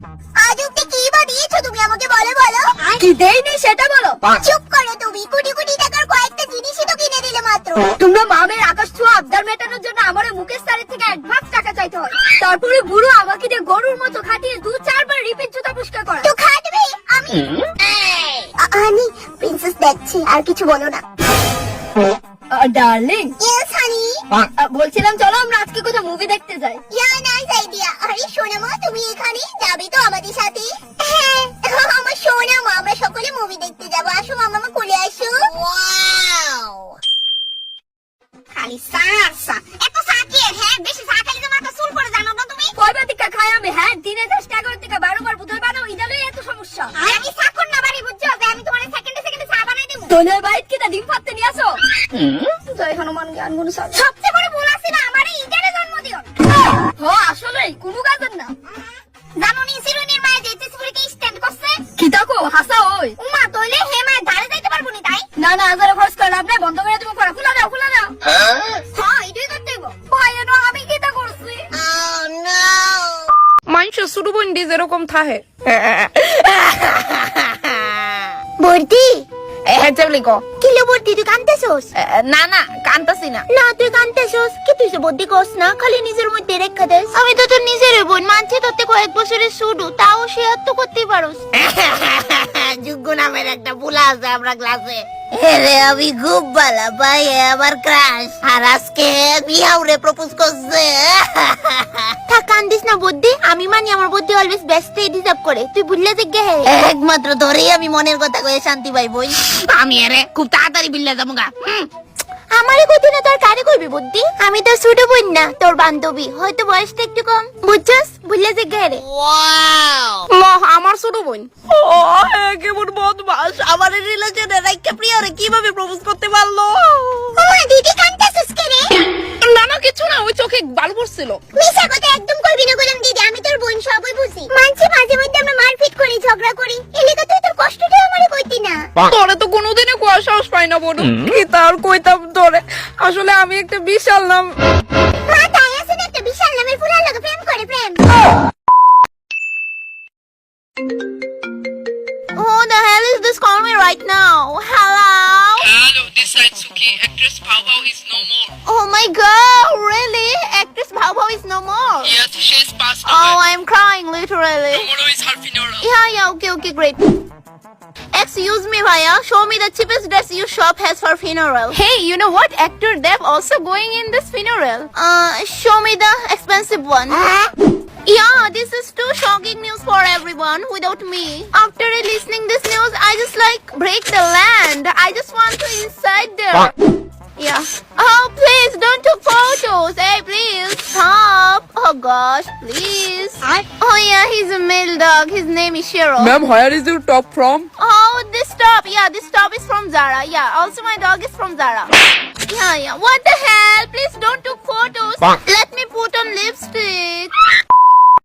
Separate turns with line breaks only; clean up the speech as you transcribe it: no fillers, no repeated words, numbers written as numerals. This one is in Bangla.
আজ অব্দি কি বা দিয়েছো তুমি আমাকে বলো বলো।
কি দেইনি সেটা বলো।
চুপ করো তুমি, কোটি কোটি টাকার কয়েকটা জিনিসই তো কিনে দিলে মাত্র।
তোমরা মামের আকাশ ছোঁয়া আবদার মেটানোর জন্য আমার মুকেশ স্যারের থেকে অ্যাডভান্স টাকা চাইতে হয়। তারপরে বুড়ো আমাকে দিয়ে গরুর মতো খাটিয়ে 2-4 বার রিপিট জুতা পুষ্কার করা।
তো খাটবে আমি। হানি প্রিন্সেস দেখছি, আর কিছু বলো না।
ডার্লিং।
Yes honey.
বলছিলাম চলো আমরা আজকে কোথাও মুভি দেখতে যাই।
Yeah nice idea. আরে সোনামা তুমি এখানে যাবে তো আমাদের সাথে? হ্যাঁ আমার সোনামা, আমরা সকলে মুভি দেখতে যাবো। আসো মামা কোলে আসো। ওয়াও খালি সারসা এত সাকি। হ্যাঁ বেশি চা খেলে তো মাথা চুল পড়ে, জানো না তুমি?
কয়বার টিকা খাই আমি? হ্যাঁ দিনে 10-11 টিকা 12 বার বোতল বানাও, ইদালে এত সমস্যা।
আমি চাকর না বাড়ি বুঝছো, যে আমি তোমার সেকেন্ডে সেকেন্ডে চা বানাই দেব।
তোলের বাইট কি তা ডিম ফাটতে নিয়ে আসো। জয় হনুমান জ্ঞান গুণ সার।
সবচেয়ে বড় ভুল আছে না আমারে ইন্টারে জন্ম দিও।
আসলেই কোনো কাজের না।
জানো নি সিরুনির মায়ে যেতেছি পরীকে স্ট্যান্ড করছে।
কি তাকো হাসা ওই।
উমা তোইলে হে মায়ে ধারে যাইতে পারবো নি তাই?
না না আজারে খরচ করে লাভ নাই, বন্ধ করে তুমি করা। খুলে দাও খুলে দাও।
হ্যাঁ এটাই করতে হইব।
ভাই এনো আমি কি তা করছি?
মানুষ ছোট বোন দিয়ে যেরকম থাহে
বর্দি
হ্যাঁ চাবলি ক
কিলো বর্দি তুই কানতেছস?
না না কান্তাসি না।
না তুই কানতেছস কি? তুই সে বর্দি কস না, খালি নিজের মধ্যে রেখা দেস। আমি তো তোর নিজের বোন মানছি, তোতে কয়েক বছরের শুরু, তাও শেয়ার তো করতেই পারোস।
যোগ্য নামের একটা বুলা আছে আমরা ক্লাসে। রে আমি খুব ভালো পাই, আমার ক্রাশ। আর আজকে মিয়াউরে প্রপোজ করছে।
থাক কান্দিস না বর্দি, আমি মানি আমার বর্দি অলওয়েজ বেস্ট ডিজার্ভ করে। তুই ভুললে যে গে
একমাত্র ধরেই আমি মনের কথা কয়ে শান্তি পাই বই। আমি এরে খুব তাড়াতাড়ি বিল্লা যাবো গা।
আমারে কইতে না তোর কারে কইবি বুদ্ধি? আমি তো ছোট বোন না, তোর বান্ধবী, হয়তো বয়সটা একটু কম, বুঝছস? ভুললে যে গে রে।
আমার ছোট বোন
কেমন বদমাস, আমার রিলেশনে রাইকা প্রিয়রে কিভাবে প্রপোজ করতে পারলো?
ওমা দিদি কান্তাছস কে রে?
না না কিছু না, ওই চোখে বাল পড়ছিল।
মিছা কথা একদম করবি না গোলাম দিদি, আমি তোর বোন সবই বুঝি। মানছি মাঝে মধ্যে আমরা মারপিট করি, ঝগড়া করি, এলাকা তুই তোর কষ্টটা আমারে কইতি না।
তোরে তো কোনোদিনই কোয়া সাহস পাই না বড়। কি তার কইতাম তোরে, আসলে আমি একটা বিশাল নাম।
মা তাই আছে না, একটা বিশাল নামের ফুলার লাগে প্রেম করে প্রেম।
Who the hell is this calling me right now? Hello?
Hello, this side Suki. Actress Bao Bao is no more.
Oh my god, really? Actress Bao Bao is no more.
Yes, she's passed
Oh,
away.
I'm crying literally.
Tomorrow is her funeral.
Yeah, okay, great. Excuse me, Bhaiya. Show me the cheapest dress your shop has for funeral.
Hey, you know what? Actor Dev also going in this funeral.
Show me the expensive one. Yeah, this is too shocking news for everyone without me. After listening this news, I just like break the land. I just want to inside there. Yeah. Oh, please don't take photos. Hey, please stop. Oh gosh, please. Oh yeah, he's a male dog. His name is Shiro.
Ma'am, where is your top from?
Oh, this top. Yeah, this top is from Zara. Yeah, also my dog is from Zara. Yeah. What the hell? Please don't take photos. Let me put on lipstick.